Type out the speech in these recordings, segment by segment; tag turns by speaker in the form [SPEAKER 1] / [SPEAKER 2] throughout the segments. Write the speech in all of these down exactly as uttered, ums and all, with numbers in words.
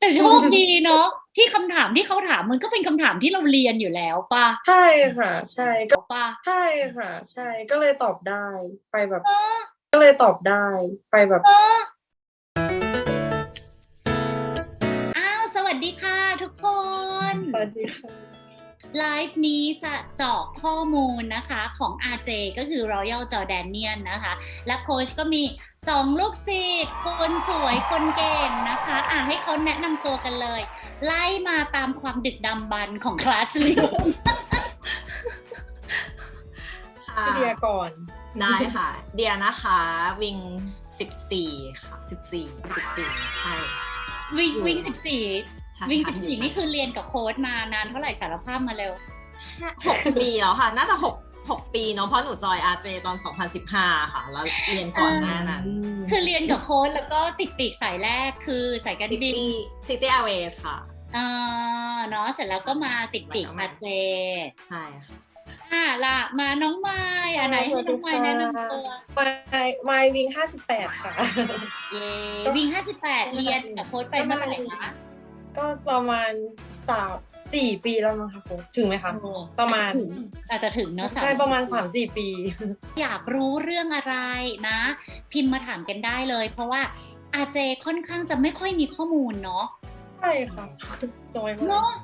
[SPEAKER 1] แต่โชคดีเนาะที่คำถามที่เขาถามมันก็เป็นคำถามที่เราเรียนอยู่แล้วป่ะ
[SPEAKER 2] ใช่ค่ะใช่ก็
[SPEAKER 1] ป่ะ
[SPEAKER 2] ใช่ค่ะใช่ก็เลยตอบได้ไปแบบ
[SPEAKER 1] เออ
[SPEAKER 2] ก็เลยตอบได้ไปแบบ
[SPEAKER 1] เอออ้าวสวัสดีค่ะทุกคน
[SPEAKER 2] สวัสดีค่ะ
[SPEAKER 1] ไลฟ์นี้จะเจาะข้อมูลนะคะของ อาร์ เจ ก็คือ Royal Jordanian นะคะและโค้ชก็มีสองลูกศิษย์คนสวยคนเก่งนะคะอ่ะให้เขาแนะนำตัวกันเลย ไล่มาตามความดึกดำบรรพ์ของคลาสเรียน
[SPEAKER 3] ค่ะ
[SPEAKER 2] พี่เดียก่อน
[SPEAKER 3] ได้ค่ะ เดียนะคะวิงสิบสี่ค่ะสิบสี่สิบสี่ใช่
[SPEAKER 1] วิ่ง
[SPEAKER 3] อยู่
[SPEAKER 1] วิ่งสิบสี่
[SPEAKER 3] ใช่
[SPEAKER 1] วิ่ง
[SPEAKER 3] ค่ะ
[SPEAKER 1] สิบสี่นี่คือเรียนกับโค้ชมานานเท่าไหร่สารภาพมาเร็ว
[SPEAKER 3] หกปีแล้วค่ะ น่าจะหกหกปีเนาะเพราะหนูจอย อาร์ เจ ตอนสองพันสิบห้าค่ะ แล้วเรียนก่อนหน้านั้น
[SPEAKER 1] คือเรียนกับโค้ชแล้วก็ติดปีกสายแรกคือสายการบิน
[SPEAKER 3] City City Airways ค่ะ
[SPEAKER 1] เออเนาะเสร็จแล้วก็มาติดปีก
[SPEAKER 3] แล้วก็มา
[SPEAKER 1] อาเจ
[SPEAKER 3] ใช่ค่ะ
[SPEAKER 1] อ่ะล่ะมาน้องไม้อ่ะไหนให้น้องไม้แนะนำตัว
[SPEAKER 2] มายมายวิงห้าสิบแปดค่ะ
[SPEAKER 1] เย้วิ่งห้าสิบแปดเรียนกับโค้ชไปเมื่อไหร่คะ
[SPEAKER 2] ก็ประมาณสามสี่ปีแล้วมั้งคะโค้ชถึงไหมคะ
[SPEAKER 1] โอ้
[SPEAKER 2] ประมาณ
[SPEAKER 1] อาจจะถึงเนาะ
[SPEAKER 2] ได้ประมาณสามสี่ปี
[SPEAKER 1] อยากรู้เรื่องอะไรนะ พิมพ์มาถามกันได้เลย เพราะว่าอาเจค่อนข้างจะไม่ค่อยมีข้อมูลเนาะ
[SPEAKER 2] ใช่ค่ะน้อยมาก
[SPEAKER 1] เนาะ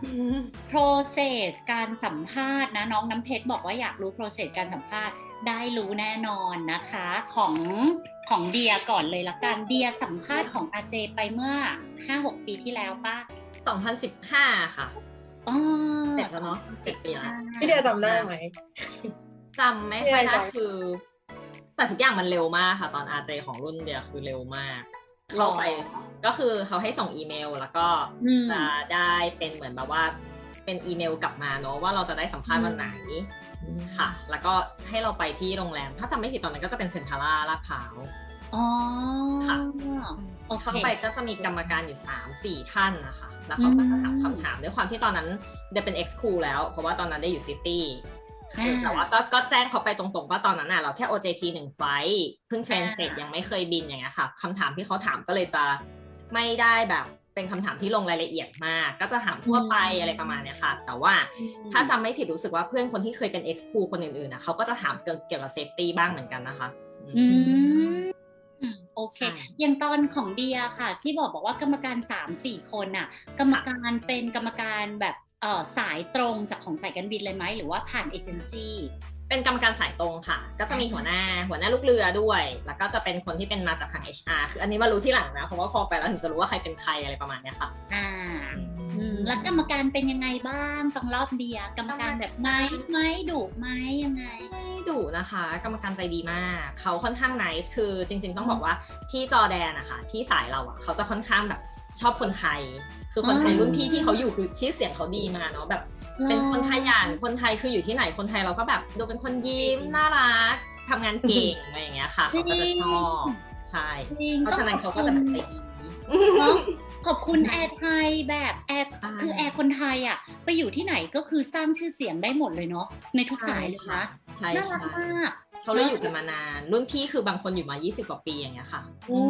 [SPEAKER 1] process การสัมภาษณ์นะน้องน้ำเพชรบอกว่าอยากรู้ process การสัมภาษณ์ได้รู้แน่นอนนะคะของของเดียก่อนเลยละกันเดียสัมภาษณ์ของอาเจไปเมื่อ ห้าหก ปีที่แล้วป่ะ
[SPEAKER 3] สองพันสิบห้าค่ะ
[SPEAKER 1] อ๋อ
[SPEAKER 3] เจ็ดแล้วเนาะเจ็ดปีแล้ว
[SPEAKER 2] พี่เดียจำได้ไหม
[SPEAKER 3] จำไม่ค่อยได้
[SPEAKER 2] ไม่ได้จำ
[SPEAKER 3] คือ แต่ทุกอย่างมันเร็วมากค่ะ ตอน อาร์ เจ ของรุ่นเดียคือเร็วมาก เข้าไปก็คือเขาให้ส่งอีเมลแล้วก็จะได้เป็นเหมือนแบบว่าเป็นอีเมลกลับมาเนอะว่าเราจะได้สัมภาษณ์วันไหนค่ะ แล้วก็ให้เราไปที่โรงแรม ถ้าจำไม่ผิดตอนนั้นก็จะเป็นเซ็นทรัลลาดพร้าว
[SPEAKER 1] อ๋อ
[SPEAKER 3] ค่ะ
[SPEAKER 1] โอเค
[SPEAKER 3] เข้าไปก็จะมีกรรมการอยู่ สามสี่ ท่านนะคะแล้วเขาก็จะถามคำถามด้วยความที่ตอนนั้นเดเป็น X Cool แล้วเพราะว่าตอนนั้นได้อยู่ซิตี้แต่ว่าก็ก็แจ้งเขาไปตรงๆว่าตอนนั้นน่ะเราแค่ โอ เจ ที หนึ่งไฟล์เพิ่งเทรนเสร็จยังไม่เคยบินอย่างเงี้ยค่ะคำถามที่เขาถามก็เลยจะไม่ได้แบบเป็นคำถามที่ลงรายละเอียดมากก็จะถามทั่วไปอะไรประมาณเนี้ยค่ะแต่ว่าถ้าจำไม่ผิดรู้สึกว่าเพื่อนคนที่เคยเป็น X Cool คนอื่นๆนะเขาก็จะถามเกี่ยวกับเซฟตี้บ้างเหมือนกันนะคะ
[SPEAKER 1] อืมโอเคอย่างตอนของเดียค่ะที่บอกบอกว่ากรรมการ สามสี่ คนน่ะกรรมการเป็นกรรมการแบบเอ่อสายตรงจากของสายการบินเลยไหมหรือว่าผ่านเอเจนซี่
[SPEAKER 3] เป็นกรรมการสายตรงค่ะก็จะมีหัวหน้าหัวหน้าลูกเรือด้วยแล้วก็จะเป็นคนที่เป็นมาจากทาง เอช อาร์ คืออันนี้มารู้ที่หลังนะเพราะว่าพอไปแล้วถึงจะรู้ว่าใครเป็นใครอะไรประมาณเนี้ยค่ะ
[SPEAKER 1] อ่าแล้วกรรมการเป็นยังไงบ้างตอนรอบเดียกรรมการแบบไม้ไม้ดุไหมยังไง
[SPEAKER 3] ไม่ดุนะคะกรรมการใจดีมากเขาค่อนข้างไนซ์คือจริงๆต้องบอกว่าที่จอร์แดนนะคะที่สายเราอ่ะเขาจะค่อนข้างแบบชอบคนไทยคือคนไทยรุ่นพี่ที่เขาอยู่คือชื่อเสียงเขาดีมาเนาะแบบเป็นคนขยันคนไทยคืออยู่ที่ไหนคนไทยเราก็แบบดูเป็นคนยิ้มน่ารักทำงานเก่งอะไรอย่างเงี้ยค่ะเขาก็จะชอบใช่เพราะฉะนั้นเขาก็จะแบบใจดี
[SPEAKER 1] ขอบคุณแอร์ไทยแบบแอร์คือแอร์คนไทยอ่ะไปอยู่ที่ไหนก็คือสร้างชื่อเสียงได้หมดเลยเนาะในทุกสายเลยนะ
[SPEAKER 3] ใช่
[SPEAKER 1] น่ารักมาก
[SPEAKER 3] เขาเลยอยู่กันมานานรุ่นพี่คือบางคนอยู่มายี่สิบกว่าปีอย่างเงี้ยค่ะ
[SPEAKER 1] โอ้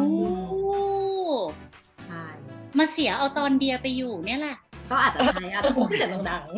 [SPEAKER 3] ใช่
[SPEAKER 1] มาเสียเอาตอนเดียไปอยู่เนี่ยแหละ
[SPEAKER 3] ก็อาจจะใช่อาจจะพูดเสียงดังๆ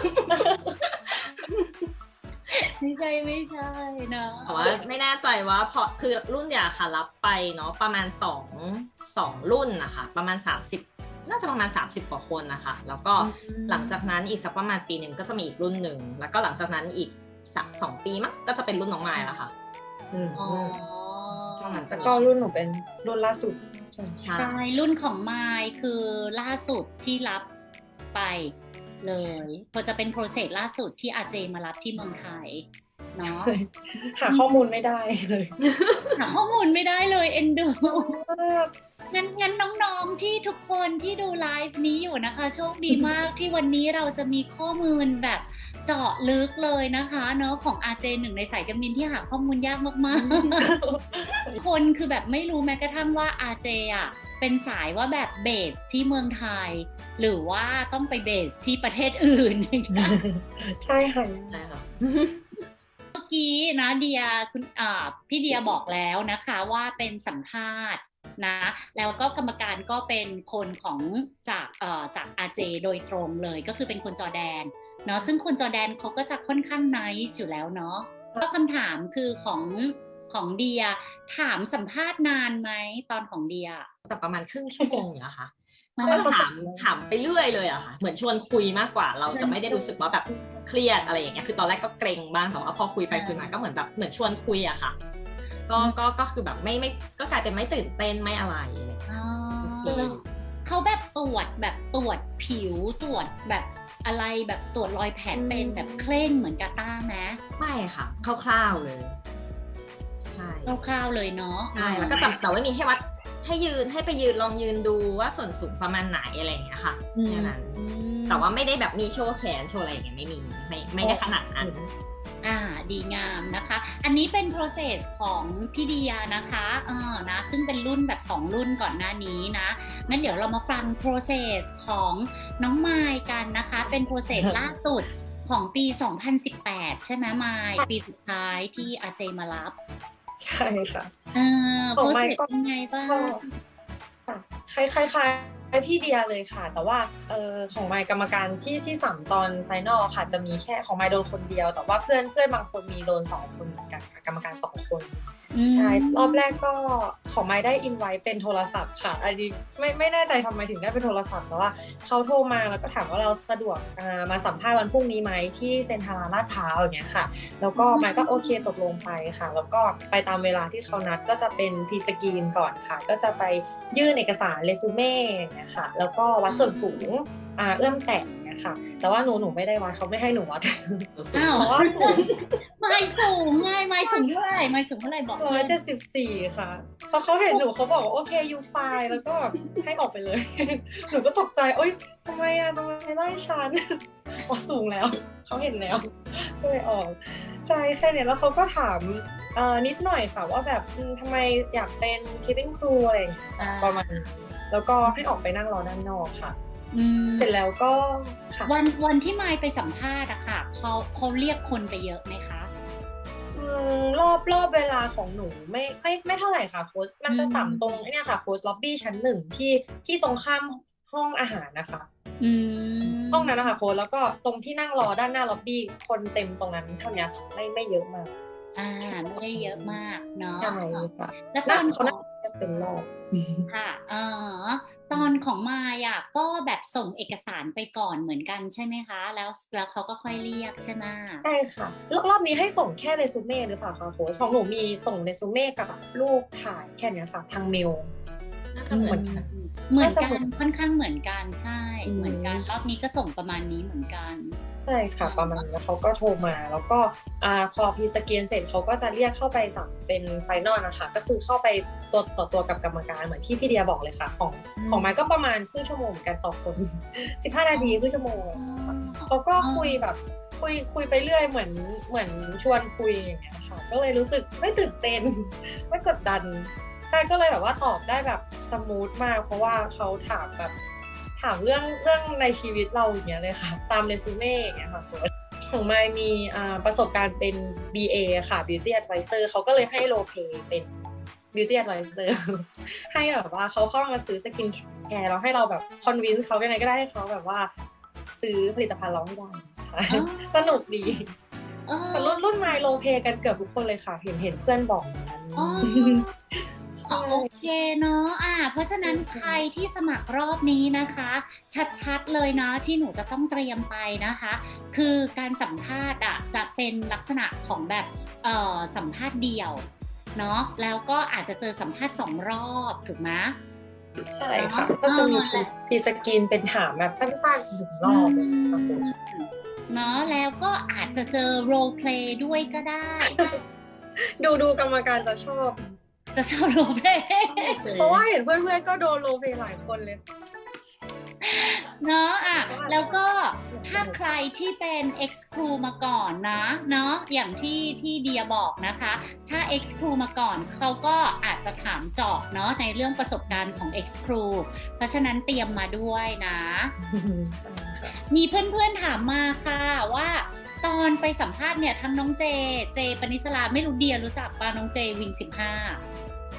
[SPEAKER 1] ไม่ใช่ไม่ใช่นะ
[SPEAKER 3] แต่ว่าไม่แน่ใจว่าเพราะคือรุ่นเดียวค่ะรับไปเนาะประมาณสอง สองรุ่นนะคะประมาณสามสิบน่าจะประมาณสามสิบกว่าคนนะคะแล้วก็หลังจากนั้นอีกสักประมาณปีหนึ่งก็จะมีอีกรุ่นหนึ่งแล้วก็หลังจากนั้นอีกสักสองปีมั้งก็จะเป็นรุ่นน้องไม้แล้วค่ะ
[SPEAKER 1] อ๋อ
[SPEAKER 3] ช่วงนั้น
[SPEAKER 2] แต่ก็รุ่นหนูเป็นรุ่นล่าสุด
[SPEAKER 1] ใช่รุ่นของไมค์คือล่าสุดที่รับไปเลยพอจะเป็นโปรเซสล่าสุดที่อาเจมารับที่เมืองไทยเนาะ
[SPEAKER 2] หาข้อมูลไม่ได้เลย
[SPEAKER 1] หาข้อมูลไม่ได้เลยเอ็นดูงั้นงั้นน้องๆที่ทุกคนที่ดูไลฟ์นี้อยู่นะคะโชคดีมากที่วันนี้เราจะมีข้อมูลแบบเจาะลึกเลยนะคะเนาะของ อาร์ เจ หนึ่งในสายการบินที่หาข้อมูลยากมากๆคนคือแบบไม่รู้แม้กระทั่งว่า อาร์ เจ อ่ะเป็นสายว่าแบบเบสที่เมืองไทยหรือว่าต้องไปเบสที่ประเทศอื่น
[SPEAKER 2] ใช่ค่ะ
[SPEAKER 3] ใช่ค่ะ
[SPEAKER 1] เมื่อกี้นะเดียคุณอ่าพี่เดียบอกแล้วนะคะว่าเป็นสัมภาษณ์นะ แล้วก็กรรมการก็เป็นคนของจากเอ่อจาก อาร์ เจ โดยตรงเลยก็คือเป็นคนจอร์แดนเนาะซึ่งคนจอร์แดนเขาก็จะค่อนข้างไนซ์อยู่แล้วเนาะก็คำถามคือของของเดียถามสัมภาษณ์นานไหมตอนของเดีย
[SPEAKER 3] แต่ประมาณครึ่งชั่วโมงเนี่ยค่ะ
[SPEAKER 1] มัน
[SPEAKER 3] เขาก็ถามถามไปเรื่อยเลยอะค่ะเหมือนชวนคุยมากกว่าเราจะไม่ได้รู้สึกว่าแบบเครียดอะไรอย่างเงี้ยคือตอนแรกก็เกรงบ้างแต่ว่าพอคุยไปคุยมาก็เหมือนแบบเหมือนชวนคุยอะค่ะก็ก็ก็คือแบบไม่ไม่ก็กลายเป็นไม่ตื่นเต้นไม่อะไรอะไรอย่างเงี้ย
[SPEAKER 1] อ๋อ
[SPEAKER 3] โอเค
[SPEAKER 1] เขาแบบตรวจแบบตรวจผิวตรวจแบบอะไรแบบตรวจรอยแผลเป็นแบบเคร่งเหมือนกาต้าไหม
[SPEAKER 3] ไม่ค่ะคร่าวๆเลยใช่
[SPEAKER 1] คร่าวๆเลยเนาะ
[SPEAKER 3] ใช่แล้วก็แต่แต่ว่ามีให้วัดให้ยืนให้ไปยืนลองยืนดูว่าส่วนสูงประมาณไหนอะไรอย่างเงี้ยค่ะแค่นั้น
[SPEAKER 1] อืม
[SPEAKER 3] แต่ว่าไม่ได้แบบมีโชว์แขนโชว์อะไรอย่างเงี้ยไม่มีไม่ไม่ได้ขนาดนั้น
[SPEAKER 1] อ่าดีงามนะคะ อันนี้เป็น process ของพี่เดียนะคะเออนะซึ่งเป็นรุ่นแบบสองรุ่นก่อนหน้านี้นะงั้นเดี๋ยวเรามาฟัง process ของน้องไมค์กันนะคะ เป็น process ล่าสุดของปี สองพันสิบแปด ใช่ไหมไมค์ปีสุดท้ายที่ อาร์ เจ มารับ
[SPEAKER 2] ใช่ค่ะ
[SPEAKER 1] เออ
[SPEAKER 2] ของไมค์
[SPEAKER 1] process
[SPEAKER 2] ก็
[SPEAKER 1] เป็นไงบ้าง
[SPEAKER 2] คล้ายคล้ายคล้ายพี่เดียเลยค่ะ แต่ว่าเออของไมค์กรรมการที่ที่สามตอนไฟนอลค่ะจะมีแค่ของไมค์โดนคนเดียว แต่ว่าเพื่อนเพื่อนบางคนมีโดนสองคนเหมือนกันค่ะกรรมการสองคน
[SPEAKER 1] อืม
[SPEAKER 2] ใช่รอบแรกก็ของไมค์ได้อินไว้เป็นโทรศัพท์ค่ะอันนี้ไม่ไม่แน่ใจทำไมถึงได้เป็นโทรศัพท์แต่ว่าเขาโทรมาแล้วก็ถามว่าเราสะดวกอ่ามาสัมภาษณ์วันพรุ่งนี้ไหมที่เซ็นทรัลลาดพร้าวอย่างเงี้ยค่ะแล้วก็ไมค์ก็โอเคตกลงไปค่ะ แล้วก็ไปตามเวลาที่เขานัดก็จะเป็นพรีสกรีนก่อนค่ะ ก็จะไปยื่นเอกสารเรซูเม่อย่างเงี้ยค่ะแล้วก็วัดส่วนสูงอ่าเอื้อมแตะอย่างเงี้ยค่ะแต่ว่าหนูหนูไม่ได้วัดเขาไม่ให้หนูวัด
[SPEAKER 1] อ้าว
[SPEAKER 2] เพราะว่าสูง
[SPEAKER 1] ไม่สูงไงไม่สูงเท่าไหร่ไม่สูงเท่าไหร่บอก
[SPEAKER 2] ร้อยเจ็ดสิบสี่ค่ะพอเขาเห็นหนูเขาบอกว่าโอเคยูไฟแล้วก็แบบให้ออกไปเลย หนูก็ตกใจโอ๊ยทำไมอะทำไมไล่ฉัน อ๋อสูงแล้วเขาเห็นแล้วก็เลยออกใช่แค่เนี้ยแล้วเขาก็ถามเอ่อนิดหน่อยค่ะว่าแบบอืมทำไมอยากเป็น cabin crew อะไรอย่างเงี้ย
[SPEAKER 1] อ่า
[SPEAKER 2] ประมาณนี้แล้วก็ให้ออกไปนั่งรอด้านนอกค่ะ
[SPEAKER 1] อืม
[SPEAKER 2] เสร็จแล้วก็ค่ะ
[SPEAKER 1] วันวันที่ไมค์ไปสัมภาษณ์อะค่ะเขาเขาเรียกคนไปเยอะไหมคะ
[SPEAKER 2] อืมรอบรอบเวลาของหนูไม่ไม่ไม่เท่าไหร่ค่ะโค้ชมันจะ
[SPEAKER 1] อืม
[SPEAKER 2] สัมตรงไอ้เนี่ยค่ะโค้ชล็อบบี้ชั้นหนึ่งที่ที่ตรงข้ามห้องอาหารนะคะ
[SPEAKER 1] อืม
[SPEAKER 2] ห้องนั้นนะคะโค้ชแล้วก็ตรงที่นั่งรอด้านหน้าล็อบบี้คนเต็มตรงนั้นเท่านี้ไม่ไม่เยอะมาก
[SPEAKER 1] อ่าไม่ได้เยอะมากเนาะ
[SPEAKER 2] ใช่ค่ะ
[SPEAKER 1] แล้วตอนข
[SPEAKER 2] เขา
[SPEAKER 1] อง
[SPEAKER 2] น่าจะเป็นรอบ
[SPEAKER 1] ค่ะเออตอนของมายอ่ะก็แบบส่งเอกสารไปก่อนเหมือนกันใช่ไหมคะ แล้วแล้วเขาก็ค่อยเรียกใช่ไหม
[SPEAKER 2] ใช่ค่ะรอบรอบนี้ให้ส่งแค่เรซูเม่หรือเปล่าคะโค้ชของหนูมีส่งเรซูเม่กับรูปถ่ายแค่เนี้ยค่ะทางเมล
[SPEAKER 3] น่าจะเหมือนกัน
[SPEAKER 1] เหมือนกั
[SPEAKER 2] น่าจะ
[SPEAKER 1] นค่อนข้างเหมือนกันใช่
[SPEAKER 2] อืม
[SPEAKER 1] เหมือนกันรอบนี้ก็ส่งประมาณนี้เหมือนกัน
[SPEAKER 2] ใช่ค่ะประมาณนี้แล้วเขาก็โทรมาแล้วก็อ่าพอพีสแกนเสร็จเขาก็จะเรียกเข้าไปสัมเป็นไฟนอลนะคะก็คือเข้าไปตัวต่อตัวกับกรรมการเหมือนที่พี่เดียบอกเลยค่ะของ
[SPEAKER 1] อืม
[SPEAKER 2] ของไม้ก็ประมาณครึ่งชั่วโมงเหมือนกันต่อคน สิบห้านาทีครึ่งชั่วโมงเขาก็คุยแบบคุยคุยไปเรื่อยเหมือนเหมือนชวนคุยอย่างเงี้ยค่ะก็เลยรู้สึกไม่ตื่นเต้น ไม่กดดันใช่ก็เลยแบบว่าตอบได้แบบสมูทมาก เพราะว่าเขาถามแบบถามเรื่องเรื่องในชีวิตเราอย่างเงี้ยเลยค่ะ ตามเรซูเม่อย่างเงี้ยค่ะของไมค์มีอ่าประสบการณ์เป็น บี เอ ค่ะ Beauty Advisor เขาก็เลยให้โรลเพลย์เป็น Beauty Advisor ให้แบบว่าเขาเข้ามาซื้อสกินแคร์เราให้เราแบบคอนวินส์เขายังไงก็ได้ให้เขาแบบว่าซื้อผลิตภัณฑ์เราให้ได้ค่ะ
[SPEAKER 1] อ๋อ
[SPEAKER 2] สนุกดี
[SPEAKER 1] เออ
[SPEAKER 2] แต่รุ่นรุ่นไมล์โรลเพลย์กันเกือบทุกคนเลยค่ะ เห็นเห็นเพื่อนบอกอย่างนั้น
[SPEAKER 1] อ๋อ อ๋อโอเคเนาะอ่าเพราะฉะนั้นใครที่สมัครรอบนี้นะคะ ชัดๆเลยนะที่หนูจะต้องเตรียมไปนะคะ คือการสัมภาษณ์อ่ะจะเป็นลักษณะของแบบเอ่อสัมภาษณ์เดี่ยวเนาะแล้วก็อาจจะเจอสัมภาษณ์สองรอบถูกไหม
[SPEAKER 2] ใช่ค่ะ ก็จะมีพีสกินเป็นถามแบบสั้นๆหนึ่งรอบเลยค่ะคุณ
[SPEAKER 1] เนาะแล้วก็อาจจะเจอ role play ด้วยก็ได้
[SPEAKER 2] ดูดูกรรมการจะชอบ
[SPEAKER 1] จะชอบ role play
[SPEAKER 2] เพราะว่าเห็นเพื่อนๆก็โดนโรลเพลย์หลายคนเลย
[SPEAKER 1] เนาะอ่ะแล้วก็ถ้าใครที่เป็น ex crew มาก่อนนะเนาะอย่างที่ที่เดียบอกนะคะ ถ้า ex crew มาก่อนเขาก็อาจจะถามเจาะเนาะในเรื่องประสบการณ์ของ ex crew เพราะฉะนั้นเตรียมมาด้วยนะ
[SPEAKER 2] ใช่ค่ะ
[SPEAKER 1] มีเพื่อนๆถามมาค่ะว่าตอนไปสัมภาษณ์เนี่ยทั้งน้องเจ เจปนิสลาไม่รู้เดียรู้จักป่ะน้องเจวิงสิบห้า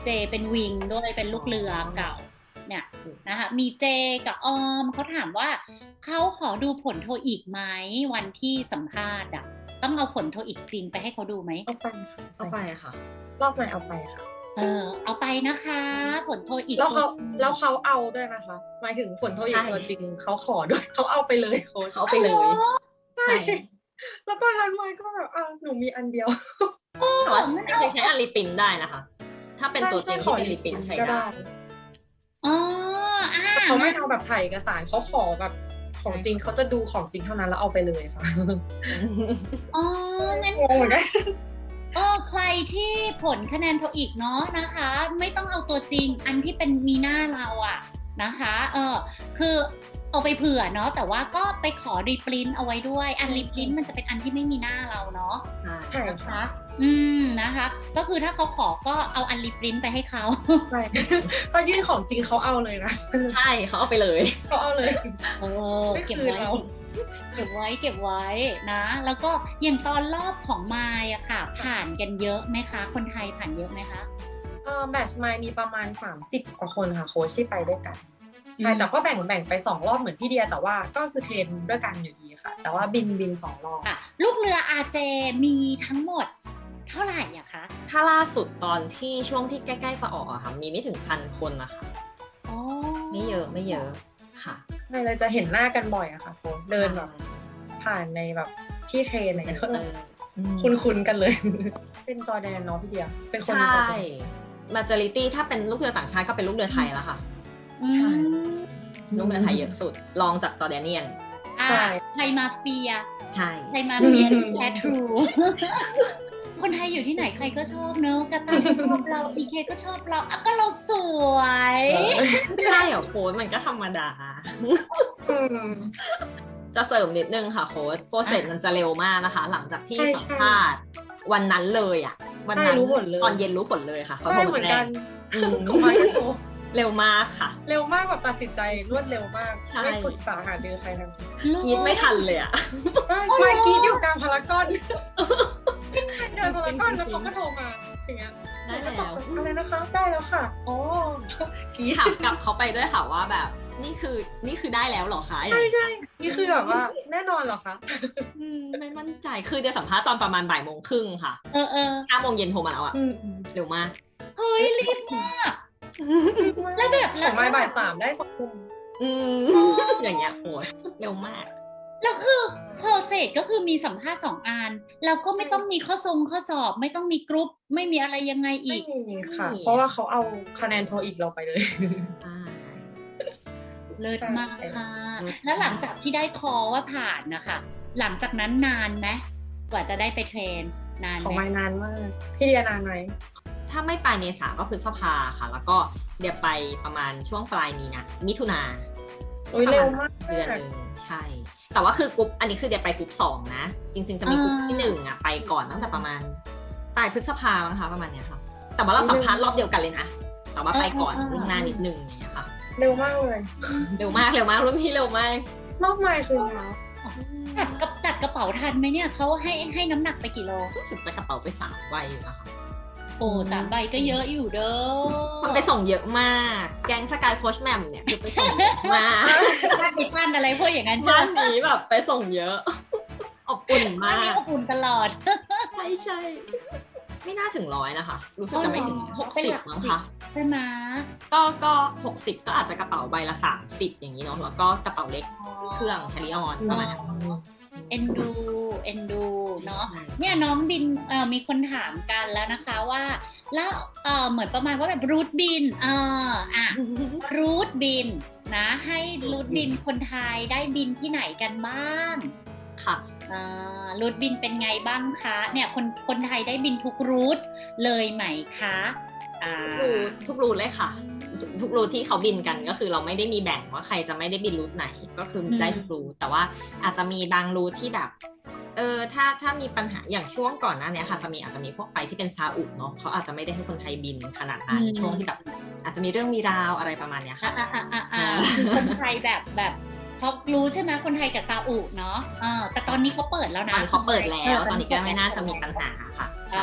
[SPEAKER 1] เจเป็นวิงด้วยเป็นลูกเรือเก่าเนี่ยนะคะมีเจกับออมเขาถามว่าเขาขอดูผลโทอีกไหมวันที่สัมภาษณ์อ่ะต้องเอาผลโทอีกจริงไปให้เขาดูไหม
[SPEAKER 2] เอาไปค่ะ
[SPEAKER 3] เอาไปค่ะ
[SPEAKER 2] รอบใหม่เอาไปค่ะ
[SPEAKER 1] เออเอาไปนะคะผลโทอีก
[SPEAKER 2] แล้วเขา
[SPEAKER 1] จริง
[SPEAKER 2] แล้วเขาเอาด้วยนะคะหมายถึงผลโทอีกตัวจริงเขาขอด้วยเขาเอาไปเลยโค้ช
[SPEAKER 3] เขาเอาไปเลย ใช่
[SPEAKER 2] แล้วตอนนั้นมายก็แบบอ้าวหนูมีอันเดียว
[SPEAKER 3] แต่ว่าจริงๆใช้อันรีปรินท์ได้นะคะ ถ้าเป็นตัวจริงที่เป็นรีปรินท์ใช้ได้
[SPEAKER 1] อ๋ออ่า
[SPEAKER 2] เขาไม่เอาแบบถ่ายเอกสารเขาขอแบบของจริงเขาจะดูของจริงเท่านั้นแล้วเอาไปเลยค่ะ
[SPEAKER 1] อ๋องั้น
[SPEAKER 2] งงเหมือนกัน
[SPEAKER 1] เออใครที่ผลคะแนนโทอีกเนาะนะคะ ไม่ต้องเอาตัวจริงอันที่เป็นมีหน้าเราอะนะคะเออคือเอาไปเผื่อเนาะแต่ว่าก็ไปขอรีปรินต์เอาไว้ด้วยอันรีปรินต์มันจะเป็นอันที่ไม่มีหน้าเราเนาะ
[SPEAKER 2] ใช่
[SPEAKER 1] นะคะ
[SPEAKER 2] ค่ะ
[SPEAKER 1] อืมนะคะ ก็คือถ้าเขาขอก็เอาอันรีปรินต์ไปให้เขา
[SPEAKER 2] ใช่ก็ยื่นของจริงเขาเอาเลยนะ
[SPEAKER 3] ใช่เขาเอาไปเลย
[SPEAKER 2] เขาเอาเลย
[SPEAKER 1] เออ
[SPEAKER 2] ไม่
[SPEAKER 1] เก็บ
[SPEAKER 2] คืน
[SPEAKER 1] ไว้
[SPEAKER 2] เรา
[SPEAKER 1] เก็บไว้เก็บไว้นะ แล้วก็อย่างตอนรอบของมายอะค่ะ ผ่านกันเยอะไหมคะ คนไทยผ่านเยอะไหมคะ
[SPEAKER 2] เออแมตช์มายมีประมาณสามสิบกว่าคนค่ะโค้ชที่ไปด้วยกันใช่
[SPEAKER 1] อืม
[SPEAKER 2] แต่ก็แบ่งแบ่งไปสองรอบเหมือนพี่เดียแต่ว่าก็คือเทรนด้วยกันอยู่ดีค่ะ แต่ว่าบินบินสองรอบ
[SPEAKER 1] อ่ะลูกเรืออาเจมีทั้งหมดเท่าไหร่อะคะ
[SPEAKER 3] ถ้าล่าสุดตอนที่ช่วงที่ใกล้ๆจะออกอะค่ะ มีไม่ถึงพันคนนะคะ
[SPEAKER 1] อ๋อ
[SPEAKER 3] ไม่เยอะไม่เยอะค่ะ
[SPEAKER 2] ไม่เลยจะเห็นหน้ากันบ่อยอะค่ะโค้ชเดินแบบผ่านในแบบที่เทรนอะไรอย่างเงี้ยก็
[SPEAKER 3] อืม
[SPEAKER 2] คุ้นๆกันเลย เป็นจอร์แดนเนาะพี่เดียเป็นคน
[SPEAKER 3] ใช
[SPEAKER 2] จอร์
[SPEAKER 3] ่
[SPEAKER 2] แดน
[SPEAKER 3] majority ถ้าเป็นลูกเรือต่างชาติก็เป็นลูกเรือไทยแล้วค่ะ
[SPEAKER 1] อืม
[SPEAKER 3] ลูกเรือไทยเยอะสุดรองจากจอร์แดเนียน
[SPEAKER 1] อ่ะ
[SPEAKER 2] ใช่
[SPEAKER 1] ไทยมาเฟีย
[SPEAKER 3] ใช่
[SPEAKER 1] ไทยมาเฟียแท้ทรู คนไทยอยู่ที่ไหนใครก็ชอบเนอะกระตายก็ชอบเราอีเคก็ชอบเราอ่ะก็เราสวย
[SPEAKER 3] ไม่ได้เหรอโค้ชมันก็ธรรมดา
[SPEAKER 2] อืม
[SPEAKER 3] จะเสริมนิดนึงค่ะโค้ชโปรเซสมันจะเร็วมากนะคะ หลังจากที่
[SPEAKER 2] ใช่
[SPEAKER 3] สัมภาษณ์วันนั้นเลยอ่ะ วันนั้น
[SPEAKER 2] ใช่รู้ผลเลย
[SPEAKER 3] ตอนเย็นรู้ผลเลยค่ะเขา
[SPEAKER 2] ใช่
[SPEAKER 3] โทร
[SPEAKER 2] เหมื
[SPEAKER 3] มา
[SPEAKER 2] อน
[SPEAKER 3] แจ้
[SPEAKER 2] กั
[SPEAKER 3] ง
[SPEAKER 2] น
[SPEAKER 3] อืม
[SPEAKER 2] ของมายก็รู้
[SPEAKER 3] เร็วมากค่ะ
[SPEAKER 2] เร็วมากแบบตัดสินใจรวดเร็วมาก
[SPEAKER 3] ใช่
[SPEAKER 2] ไม่ปรึกษาหารือใครทั้งนั้น
[SPEAKER 3] กรีดไม่ทันเลยอ่ะ
[SPEAKER 2] ได้มากรีดอยู่กลางพารากอนเดินพารากอนแล้วเขาก็โทรมาอย่างเงี้ย
[SPEAKER 3] ได้
[SPEAKER 2] ก็ต
[SPEAKER 3] แล้
[SPEAKER 2] อบ
[SPEAKER 3] ว
[SPEAKER 2] อะไรนะคะได้แล้วค่ะอ๋อก
[SPEAKER 3] รีดถามกลับเขาไปด้วยค่ะว่าแบบนี่คือนี่คือได้แล้วเหรอคะ
[SPEAKER 2] ใช่ใช่นี่คือแบบว่าแน่นอนเหรอคะ
[SPEAKER 3] อืมไม่มั่นใจคือจะสัมภาษณ์ตอนประมาณบ่ายโมงครึ่งค่ะ
[SPEAKER 1] เออเออ
[SPEAKER 3] ห้าโมงเย็นโทรมาแล้วอ่ะ
[SPEAKER 2] อืม
[SPEAKER 3] เร็วมาก
[SPEAKER 1] เฮ้ยรีบมาก แล้วแบบ
[SPEAKER 2] ของไม้บ่ายสามได้สองทุ่ม
[SPEAKER 3] อืมอย่างเงี้ยโอ้ยเร็วมาก
[SPEAKER 1] แล้วคือเพอเซสก็คือมีสัมภาษณ์สองอันแล้วก็ไม่ต้องมีข้อทรงข้อสอบ ไม่ต้องมีกรุ๊ปไม่มีอะไรยังไงอี
[SPEAKER 2] ไม่
[SPEAKER 1] ก
[SPEAKER 2] มีค่ะ
[SPEAKER 3] ไม่มี
[SPEAKER 2] เพราะว่าเขาเอาคะแนนโทรอีกเราไปเลย
[SPEAKER 3] อ่า
[SPEAKER 1] เลิศมากค่ะ
[SPEAKER 3] เลิศมาก
[SPEAKER 1] แล้วหลังจากที่ได้คอว่าผ่านนะคะหลังจากนั้นนานไหมกว่าจะได้ไปเทรนนาน
[SPEAKER 2] ของ
[SPEAKER 1] ไหม
[SPEAKER 2] ไม้นานมากพี่เดียนานไหม
[SPEAKER 3] ถ้าไม่ปลายเมษาก็พฤษภาค่ะ แล้วก็เดี๋ยวไปประมาณช่วงปลายมีนามิถุนา
[SPEAKER 2] โอ้ยเร็วมาก
[SPEAKER 3] เดือนหนึ่งใช่ แต่ว่าคือกรุ๊ปอันนี้คือเดี๋ยวไปกรุ๊ปสองนะ จริงๆจะมีกรุ๊ปที่หนึ่งอ่ะไปก่อนตั้งแต่ประมาณปลายพฤษภามั้งคะประมาณเนี้ยค่ะ แต่ว่าเราสัมภาษณ์รอบเดียวกันเลยนะ แต่ว่าไปก่อนล่วงหน้านิดนึงอย่างเงี้ยค่ะ
[SPEAKER 2] เร็วมากเลย
[SPEAKER 3] เร็วมากเร็วมากรุ่นพี่เร็วมาก
[SPEAKER 2] รอบไม้คือแล้ว
[SPEAKER 1] จัดกับจัดกระเป๋าทันไหมเนี่ยเขาให้ให้น้ำหนักไปกี่โล
[SPEAKER 3] รู้สึกจะกระเป๋าไปสามใบอยู่นะคะ
[SPEAKER 1] โอ้สามใบก็เยอะอยู่เด้อ
[SPEAKER 3] มันไปส่งเยอะมาก แก๊งสกายโคชแมมเนี่ยคือไปส่งเยอะมาก
[SPEAKER 1] บ้านไปบ้านอะไรพวกอย่างนั้นใช่
[SPEAKER 3] บ้าน
[SPEAKER 1] ไหม
[SPEAKER 3] นี้แบบไปส่งเยอะ อบอุ่น
[SPEAKER 1] บ้าน
[SPEAKER 3] มา
[SPEAKER 1] นี้
[SPEAKER 3] ก
[SPEAKER 1] อบอุ่นตลอด
[SPEAKER 3] ใช่ใช่ไม่น่าถึงร้อยนะคะ รู้สึกจะไม่ถึง
[SPEAKER 1] อ๋
[SPEAKER 3] ห
[SPEAKER 1] อก เป็น
[SPEAKER 3] สิ
[SPEAKER 1] ห
[SPEAKER 3] บ
[SPEAKER 1] ลัก
[SPEAKER 3] มั้ง
[SPEAKER 1] สิบ
[SPEAKER 3] คะ
[SPEAKER 1] ใช่ไหม
[SPEAKER 3] ก็ก็หกสิบก็อาจจะกระเป๋าใบละสามสิบอย่างนี้เนาะแล้วก็กระเป๋าเล็กเครื่องแคริออนประมาณนั้น
[SPEAKER 1] เอ็นดูเอ็นดูเนาะ
[SPEAKER 3] ใช่
[SPEAKER 1] เนี่ยน้องบินเอ่อมีคนถามกันแล้วนะคะว่า แล้วเอ่อเหมือนประมาณว่าแบบรูทบินเอออ่ะรูทบินนะ ให้รูทบินคนไทยได้บินที่ไหนกันบ้าง
[SPEAKER 3] ค่ะ
[SPEAKER 1] อ่ารูทบินเป็นไงบ้างคะเนี่ยคนคนไทยได้บินทุกรูทเลยไหมคะอ่า
[SPEAKER 3] รูททุกรูทเลยค่ะ ทุกรูทที่เขาบินกันก็คือเราไม่ได้มีแบ่งว่าใครจะไม่ได้บินรูทไหนก็คือได้ทุกรูทแต่ว่าอาจจะมีบางรูทที่แบบเออถ้าถ้ามีปัญหาอย่างช่วงก่อนหน้านี้ค่ะจะมีอาจจะมีพวกไฟที่เป็นซาอุเนาะเขาอาจจะไม่ได้ให้คนไทยบินขนาดนั้นช่วงที่แบบอาจจะมีเรื่องมีราวอะไรประมาณเนี้ย
[SPEAKER 1] อ่า
[SPEAKER 3] ค่ะ
[SPEAKER 1] อ่าอ่าอ่าคือคนไทยแบบแบบเพราะรู้ใช่ไหมคนไทยกับซาอุเนาะเออแต่ตอนนี้เขาเปิดแล้ว
[SPEAKER 3] ต
[SPEAKER 1] นะ
[SPEAKER 3] อนนี้เขาเปิดแล้วตอนนี้ก็ไม่น่าจะมีปัญหาค่ะ
[SPEAKER 1] เออ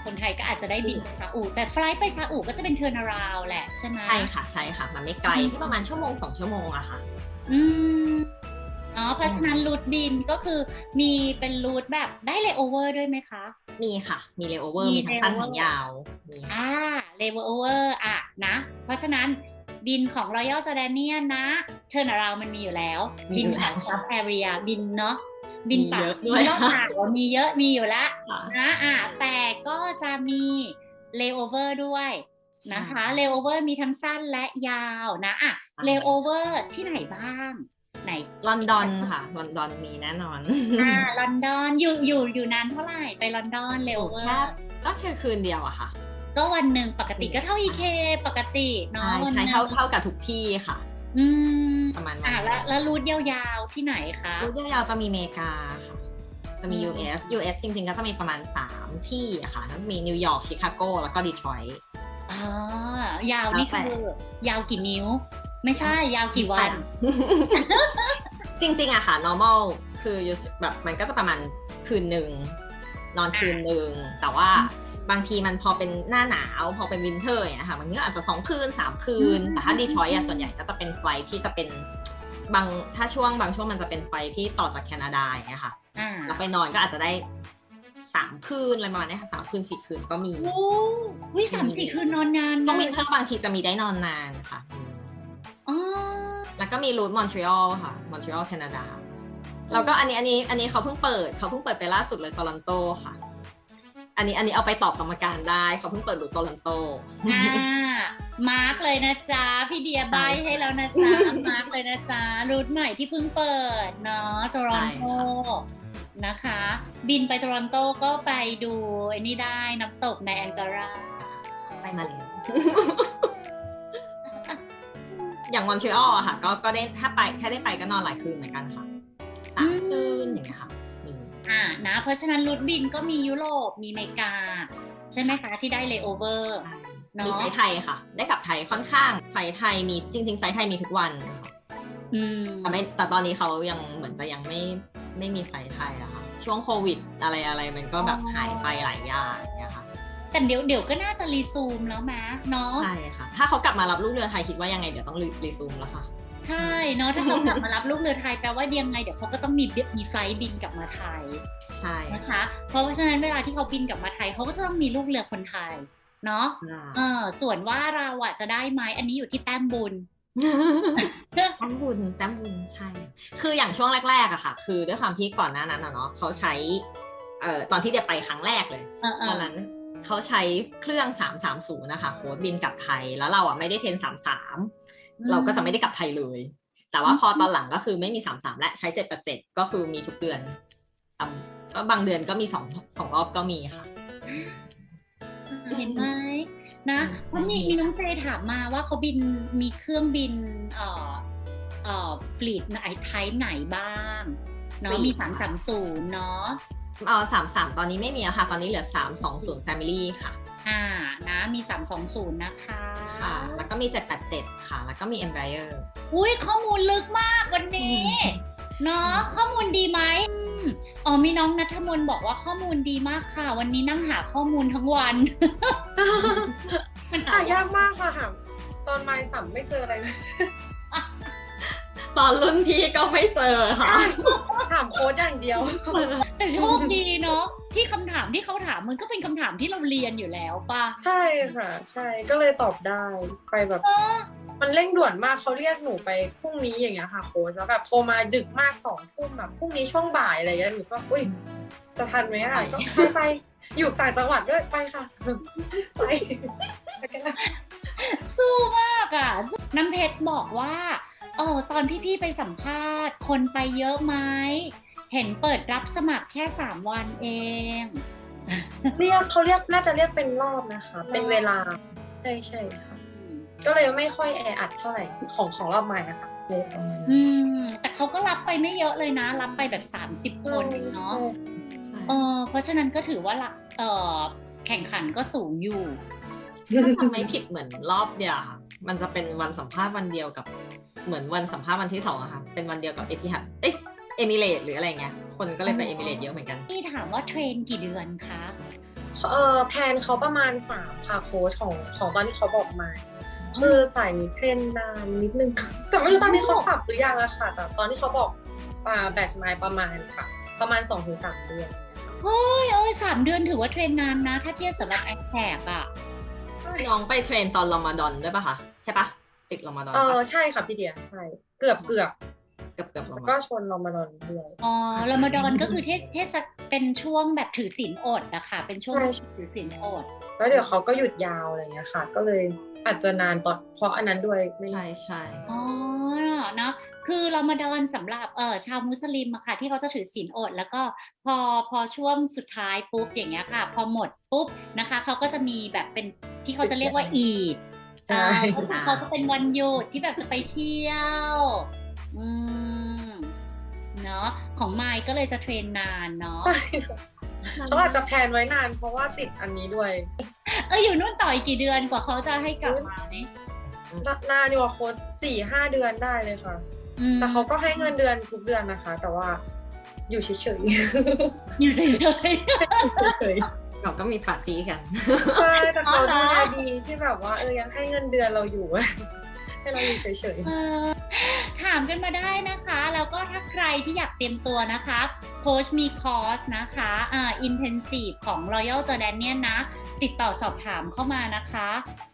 [SPEAKER 1] คนไทยก็อาจจะได้บินไปซาอุแต่ไฟลท์ไปซาอุก็จะเป็นเทอร์นาราวแหละใช่ไหม
[SPEAKER 3] ใช่ค่ะใช่ค่ะมันไม่ไกลที่ประมาณชั่วโมงสองชั่วโมงอะค่ะ
[SPEAKER 1] อืมอ๋อเพราะฉะนั้นรูทบินก็คือมีเป็นรูทแบบได้เลโอเวอร์ด้วยไหมคะ
[SPEAKER 3] มีค่ะมีเลโอเวอร์
[SPEAKER 1] มี
[SPEAKER 3] มีทั้งสั้น
[SPEAKER 1] layover
[SPEAKER 3] ทั้งยาวมีค่ะ
[SPEAKER 1] อ่าเลโอเวอร์อ่ะนะเพราะฉะนั้นบินของ Royal Jordanian นะเทอร์นาราวมันมีอยู่แล้ว
[SPEAKER 3] มี
[SPEAKER 1] บิน
[SPEAKER 3] อยู่
[SPEAKER 1] ข
[SPEAKER 3] แล้
[SPEAKER 1] อ
[SPEAKER 3] ว
[SPEAKER 1] งซับแอเรียบินเนาะบิน
[SPEAKER 3] มี
[SPEAKER 1] ปา
[SPEAKER 3] เย
[SPEAKER 1] ก
[SPEAKER 3] อะด้วย
[SPEAKER 1] นอกจากว่ามีเยอะมีอยู่แล้ว
[SPEAKER 3] ค่ะ
[SPEAKER 1] นะอ่ะแต่ก็จะมีเลโอเวอร์ด้วยนะคะเลโอเวอร์มีทั้งสั้นและยาวนะอ่ะเลโอเวอร์ที่ไหนบ้างไหน
[SPEAKER 3] ลอนดอนค่ะลอนดอนมีแน่นอน
[SPEAKER 1] อ่าลอนดอนอยู่อยู่อยู่นานเท่าไหร่ไปลอนดอนเลโอเวอ
[SPEAKER 3] แค่
[SPEAKER 1] ร์
[SPEAKER 3] ก็แค่คืนเดียวอะค่ะ
[SPEAKER 1] ก็วันหนึ่งปกติก็เท่า อี เค ปกติเนาะ
[SPEAKER 3] ใช่
[SPEAKER 1] วันห
[SPEAKER 3] ใช่
[SPEAKER 1] นึ่ง
[SPEAKER 3] เท่าเท่ากับทุกที่ค่ะ
[SPEAKER 1] อืม
[SPEAKER 3] ประมาณนั้
[SPEAKER 1] อ่าน แล้วแล้วรูทยาวๆที่ไหนคะ
[SPEAKER 3] รูทยาวๆจะมีอเมริกาค่ะจะมี
[SPEAKER 1] อืม
[SPEAKER 3] ยู เอส ยู เอส จริงๆก็จะมีประมาณสามที่อะค่ะก็จะมีนิวยอร์กชิคาโกแล้วก็ดีทรอยต์
[SPEAKER 1] อ๋อยาวนี่
[SPEAKER 3] แล้วแต่
[SPEAKER 1] คือยาวกี่นิ้ว ไม่ใช่ยาวกี่วัน
[SPEAKER 3] จริงๆอะค่ะ normal คือแบบมันก็จะประมาณคืนหนึ่งนอนคืนหนึ่งแต่ว่าบางทีมันพอเป็นหน้าหนาวพอเป็นวินเทอร์อย่างเงี้ยค่ะมันก็อาจจะสองคืนสามคืน
[SPEAKER 1] อืม
[SPEAKER 3] แต่ถ้าดีทรอยต์อะส่วนใหญ่ก็จะเป็นไฟล์ที่จะเป็นบางถ้าช่วงบางช่วงมันจะเป็นไฟล์ที่ต่อจากแคนาดาอย่างเงี้ยค่ะ
[SPEAKER 1] อ่า
[SPEAKER 3] แล้วไปนอนก็อาจจะได้สามคืนอะไรประมาณนี้ค่ะสามคืนสี่คืนก็มี
[SPEAKER 1] โอ้วิสามสี่คืนนอนนาน
[SPEAKER 3] ช่วง
[SPEAKER 1] นะ
[SPEAKER 3] วินเทอร์บางทีจะมีได้นอนนานค่ะอืม
[SPEAKER 1] อ๋อ
[SPEAKER 3] แล้วก็มีรูทมอนทรีออลค่ะมอนทรีออลแคนาดาแล้วก็อันนี้อันนี้อันนี้เขาเพิ่งเปิดเขาเพิ่งเปิดไปล่าสุดเลยโตลอนโตค่ะ อันนี้อันนี้เอาไปตอบกรรมการได้เขาเพิ่งเปิดรูทโตลอนโต
[SPEAKER 1] อ่ามาร์กเลยนะจ๊ะพี่เดียบายให้แล้วนะจ๊ะมาร์กเลยนะจ๊ะรูทใหม่ที่เพิ่งเปิดเนาะโตรอนโตนะคะ บินไปโตรอนโตก็ไปดูไอ้นี่ได้น้ำตกในแองการา
[SPEAKER 3] ไปมาแล้ว อย่างมอนทรีออลอะค่ะก็ก็ได้ถ้าไปถ้าได้ไปก็นอนหลายคืนเหมือนกันค่ะสามคืนอย่างเงี้ยค่ะมี
[SPEAKER 1] อ่านะเพราะฉะนั้นรูทบินก็มียุโรปมีอเมริกา ใช่ไหมคะที่ได้เลโอเวอร์ เนอะ
[SPEAKER 3] มีไฟล์ไทยค่ะ ได้กลับไทยค่อนข้างไฟล์ไทยมีจริงๆไฟล์ไทยมีทุกวันค่ะ
[SPEAKER 1] อืม
[SPEAKER 3] แต่ไม่แต่ตอนนี้เขายังเหมือนจะยังไม่ไม่มีไฟล์ไทยอะค่ะช่วงโควิดอะไรอะไรมันก็แบบหายไปหลายอย่างเนี่ยค่ะ
[SPEAKER 1] แต่เดี๋ยวเดี๋ยวก็น่าจะรีซูมแล้วมะเนาะ
[SPEAKER 3] ใช่ค่ะถ้าเขากลับมารับลูกเรือไทยคิดว่ายังไงเดี๋ยวต้องรีซูมแล้วค่ะ
[SPEAKER 1] ใช่เนาะถ้าเขากลับมารับลูกเรือไทยแปลว่ายังไงเดี๋ยวเขาก็ต้องมีมีไฟลท์บินกลับมาไทย
[SPEAKER 3] ใช่
[SPEAKER 1] นะคะ เพราะฉะนั้นเวลาที่เขาบินกลับมาไทยเขาก็จะต้องมีลูกเรือคนไทยเนาะเออส่วนว่าเราอะจะได้ไหมอันนี้อยู่ที่แต้มบุญ
[SPEAKER 3] แต้มบุญแต้มบุญใช่ คืออย่างช่วงแรกๆอะค่ะ คือด้วยความที่ก่อนหน้านั้นอะเนาะเขาใช้เอ่อตอนที่เดียไปครั้งแรกเลย
[SPEAKER 1] เออเอ
[SPEAKER 3] ตอ
[SPEAKER 1] อน
[SPEAKER 3] นั้นเขาใช้เครื่องสามสามศูนย์นะคะโค้ดบินกลับไทยแล้วเราอะไม่ได้เทรนสามสามเราก็จะไม่ได้กลับไทยเลย แต่ว่าพอตอนหลังก็คือไม่มีสามสามและใช้เจ็ดแปดเจ็ดก็คือมีทุกเดือนอ่ะก็บางเดือนก็มีสองสองรอบก็มีค่ะ
[SPEAKER 1] เห็นไหมนะเพราะมีมีน้องเจถามมาว่าเขาบินมีเครื่องบินเอ่อเอ่อฟลีดไหนไทป์ไหนบ้างเนาะ
[SPEAKER 3] fleet
[SPEAKER 1] มีสามสามศูนย์เนาะ
[SPEAKER 3] เออสามสามตอนนี้ไม่มีอะค่ะ ตอนนี้เหลือสามสองศูนย์ Family ค่ะ
[SPEAKER 1] อ่านะมีสามสองศูนย์นะคะ
[SPEAKER 3] ค่ะ แล้วก็มีเจ็ดแปดเจ็ดค่ะ แล้วก็มี Embraer
[SPEAKER 1] อุ้ยข้อมูลลึกมากวันนี้
[SPEAKER 3] อืม
[SPEAKER 1] เนาะข้อมูลดีไหมอืมอ๋อมีน้องนัทมนต์บอกว่าข้อมูลดีมากค่ะ วันนี้นั่งหาข้อมูลทั้งวัน มัน
[SPEAKER 2] หายากมากค่ะหาตอนไมล์สัมไม่เจออะไรเลย
[SPEAKER 3] ตอนรุ่นพี่ก็ไม่เจอค่ะ
[SPEAKER 2] ถามโค้ดอย่างเดียว
[SPEAKER 1] แต่โชคดีเนาะที่คำถามที่เขาถามมันก็เป็นคำถามที่เราเรียนอยู่แล้วป่ะ
[SPEAKER 2] ใช่ค่ะ ใช่ก็เลยตอบได้ไปแบบ
[SPEAKER 1] เออ
[SPEAKER 2] มันเร่งด่วนมากเขาเรียกหนูไปพรุ่งนี้อย่างเงี้ยค่ะโค้ชแล้วแบบโทรมาดึกมากสองทุ่มแบบพรุ่งนี้ช่วงบ่ายอะไรอย่างเงี้ยหนูก็อุ้ยจะทันไหมอ่ะก็ไปไปอยู่ต่างจังหวัดด้วยไปค่ะไปไปกันนะ
[SPEAKER 1] สู้มากอ่ะน้ำเพชรบอกว่าเออตอนพี่ๆไปสัมภาษณ์คนไปเยอะไหมเห็นเปิดรับสมัครแค่สามวันเอง
[SPEAKER 2] เรียกเขาเรียกน่าจะเรียกเป็นรอบนะคะ เป็นเวลาใช่ใช่ค่ะก็เลยไม่ค่อยแออัดเท่าไหร่ของของรอบใหม่นะคะเลยประมาณนั้น
[SPEAKER 1] อืมแต่เขาก็รับไปไม่เยอะเลยนะ รับไปแบบสามสิบคนเองเนาะ
[SPEAKER 3] ใช่
[SPEAKER 1] เออเพราะฉะนั้นก็ถือว่าละเออแข่งขันก็สูงอยู่
[SPEAKER 3] ถ้าทำไม่ผิดเหมือนรอบเดียวค่ะมันจะเป็นวันสัมภาษณ์วันเดียวกับเหมือนวันสัมภาษณ์วันที่สองอะค่ะเป็นวันเดียวกับเอทิฮัดเอ๊ะเอมิเรตหรืออะไรเงี้ยคนก็เลยไปเอมิเรตเยอะเหมือนกัน
[SPEAKER 1] พี่ถามว่าเทรนกี่เดือนคะ
[SPEAKER 2] เออแพลนเขาประมาณสามค่ะโค้ชของของตอนที่เขาบอกมา คือสายนี้เทรนนานนิดนึง แต่ไม่รู้ตอนนี้เขาปรับหรือยังอะค่ะ แต่ตอนที่เขาบอกอ่าแบตช์ไมล์ประมาณค่ะ ประมาณ สองถึงสาม เดือน
[SPEAKER 1] เฮ้ยเอ้ยสามเดือนถือว่าเทรนนานนะ ถ้าเทียบสำหรับแอคแท็กอะ
[SPEAKER 3] น้องไปเทรนตอนรอมฎอนด้วยป่ะคะใช่ปะติดรอมฎอน
[SPEAKER 2] เออ
[SPEAKER 3] ปะ
[SPEAKER 2] ใช่ค่ะพี่เดียใช่ เกือบเกือบ
[SPEAKER 3] เกือบเกือบรอ
[SPEAKER 2] แล้ว
[SPEAKER 3] มฎ
[SPEAKER 2] ก็
[SPEAKER 3] อน
[SPEAKER 2] ชนรอมฎอนด้วย
[SPEAKER 1] อ๋อรอมฎอนก็คือเทศเทศเป็นช่วงแบบถือศีลอดนะคะเป็นช่วง
[SPEAKER 2] ใช่
[SPEAKER 1] ถือศีลอด
[SPEAKER 2] แล้วเดี๋ยวเขาก็หยุดยาวอะไรเงี้ยค่ะ ก็เลยอาจจะนานตอนเพราะอันนั้นด้วยไม่
[SPEAKER 3] ใช่ใช่
[SPEAKER 1] อ๋อเนาะคือรอมฎอนสำหรับเออชาวมุสลิมอะค่ะที่เขาจะถือศีลอด แล้วก็พอพอช่วงสุดท้ายปุ๊บอย่างเงี้ยค่ะ พอหมดปุ๊บนะคะเขาก็จะมีแบบเป็นที่เขาจะเรียกว่าอีด
[SPEAKER 2] ใช่
[SPEAKER 1] เออเขาจะเป็นวันหยุดที่แบบจะไปเที่ยวอืมเนาะของไมค์ก็เลยจะเทรนนานเนาะ
[SPEAKER 2] เขาอาจจะแพลนไว้นานเพราะว่าติดอันนี้ด้วย
[SPEAKER 1] เอออยู่นู่นต่ออีกกี่เดือนกว่าเขาจะให้กลับมาเนี่ย
[SPEAKER 2] นานดีกว่าโค้ชสี่ห้าเดือนได้เลยค่ะ
[SPEAKER 1] อืม
[SPEAKER 2] แต่เขาก็ให้เงินเดือนทุกเดือนนะคะ แต่ว่าอยู่เฉยๆ
[SPEAKER 1] อยู่เฉย
[SPEAKER 2] เฉย
[SPEAKER 3] เราก็มีปาร์ตี้กัน
[SPEAKER 2] ๆใช่แต่เขา
[SPEAKER 1] อ๋อเหร
[SPEAKER 2] ดู
[SPEAKER 1] อ
[SPEAKER 2] แลดีที่แบบว่าเออยังให้เงินเดือนเราอยู่ ให้เราอยู่เฉย
[SPEAKER 1] ๆเออถามกันมาได้นะคะ แล้วก็ถ้าใครที่อยากเตรียมตัวนะคะโค้ชมีคอร์สนะคะอ่า intensive ของ Royal Jordanian นะ ติดต่อสอบถามเข้ามานะคะ